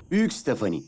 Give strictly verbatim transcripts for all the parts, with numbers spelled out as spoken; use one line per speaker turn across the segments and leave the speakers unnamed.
Büyük Stephanie.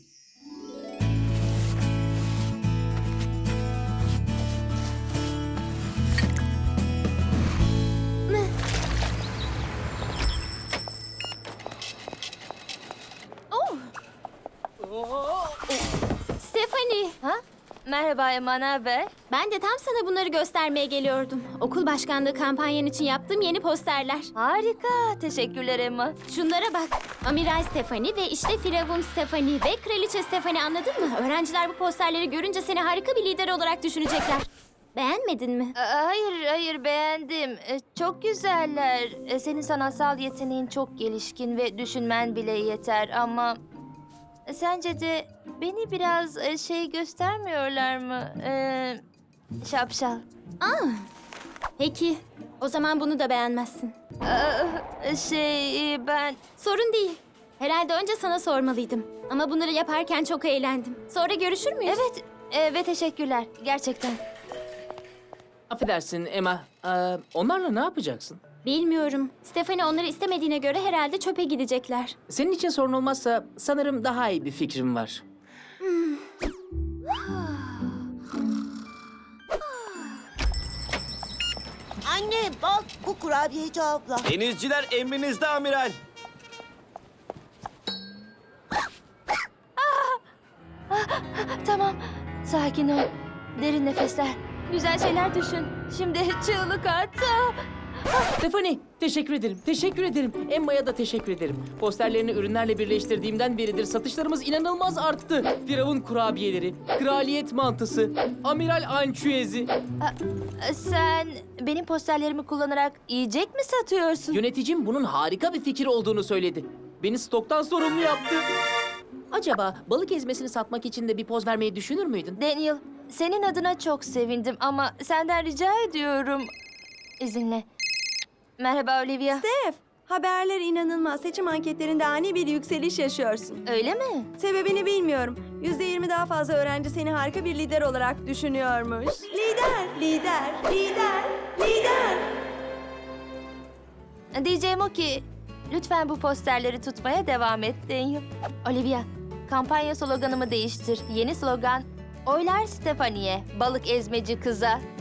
Stephanie.
Ha? Merhaba Emma, ne haber?
Ben de tam sana bunları göstermeye geliyordum. Okul başkanlığı kampanyan için yaptığım yeni posterler.
Harika, teşekkürler Emma.
Şunlara bak. Amiral Stephanie ve işte Firavun Stephanie ve Kraliçe Stephanie, anladın mı? Öğrenciler bu posterleri görünce seni harika bir lider olarak düşünecekler. Beğenmedin mi?
Aa, Hayır, hayır beğendim. Ee, Çok güzeller. Ee, Senin sanatsal yeteneğin çok gelişkin ve düşünmen bile yeter ama... Sence de beni biraz e, şey göstermiyorlar mı? Ee, şapşal.
Peki. O zaman bunu da beğenmezsin.
Aa, Şey e, ben...
Sorun değil. Herhalde önce sana sormalıydım. Ama bunları yaparken çok eğlendim. Sonra görüşür müyüz?
Evet, e, ve teşekkürler. Gerçekten.
Affedersin Emma. Ee, onlarla ne yapacaksın?
Bilmiyorum. Stephanie onları istemediğine göre herhalde çöpe gidecekler.
Senin için sorun olmazsa sanırım daha iyi bir fikrim var.
Anne bak, bu kurabiyeci abla.
Denizciler emrinizde amiral.
Tamam, sakin ol. Derin nefesler. Güzel şeyler düşün. Şimdi çığlık at.
Stephanie, teşekkür ederim. Teşekkür ederim. Emma'ya da teşekkür ederim. Posterlerini ürünlerle birleştirdiğimden beridir satışlarımız inanılmaz arttı. Firavun kurabiyeleri, kraliyet mantısı, amiral ançüezi.
Sen benim posterlerimi kullanarak yiyecek mi satıyorsun?
Yöneticim bunun harika bir fikir olduğunu söyledi. Beni stoktan sorumlu yaptı. Acaba balık ezmesini satmak için de bir poz vermeyi düşünür müydün?
Daniel, senin adına çok sevindim ama senden rica ediyorum. İzinle. Merhaba Olivia.
Steph, haberler inanılmaz. Seçim anketlerinde ani bir yükseliş yaşıyorsun.
Öyle mi?
Sebebini bilmiyorum. Yüzde yirmi daha fazla öğrenci seni harika bir lider olarak düşünüyormuş. Lider, lider, lider, lider.
Diyeceğim o ki lütfen bu posterleri tutmaya devam et Daniel. Olivia, kampanya sloganımı değiştir. Yeni slogan: Oylar Stephanie'ye, balık ezmeci kıza.